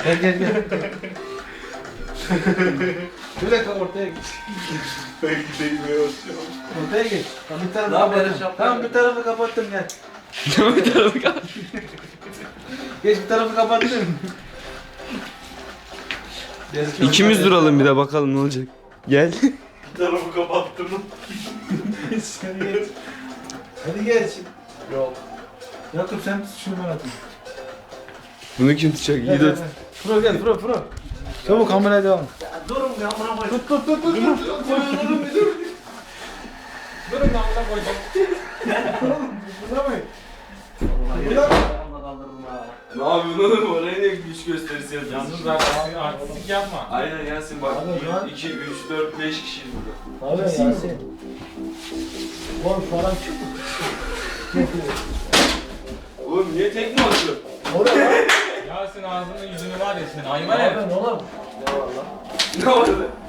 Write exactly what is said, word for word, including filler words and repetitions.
Gel gel gel. Şöyle kal ortaya git. Ben gideyim ya. Ortaya git. Tamam bir tarafı Ne haber kapattım. Şapka? Tamam bir tarafı kapattım gel. Bir tarafı kal. Geç bir tarafı kapattım. İkimiz duralım bir de bakalım ne olacak. Gel. Bir tarafı kapattım. Hadi geç. Hadi geç. Yok. Yakup sen tut şunu ben atayım. Bunu kim tutacak? İyi Gel, de. gel, gel. Pro gel pro pro. Çabuk kameraya devam. Durun ya amına koyayım. Tut tut tut tut. tut. Koyuyorum bir dur. Durun lan amına koyacağım. Bulamayın. Ne yapıyorsun oğlum? Oraya niye güç gösterisi yapıyorsun? Yalnız zaten artistik yapma. Aynen Yasin bak. Abi, lan. iki, üç, dört, beş kişiyiz burada. Abi Yasin. Oğlum falan çıktı. Oğlum niye tekme atıyor? Oraya lan. Yasin ağzını yüzünü var ya senin hayvan herif. Oğlum. Ne var lan?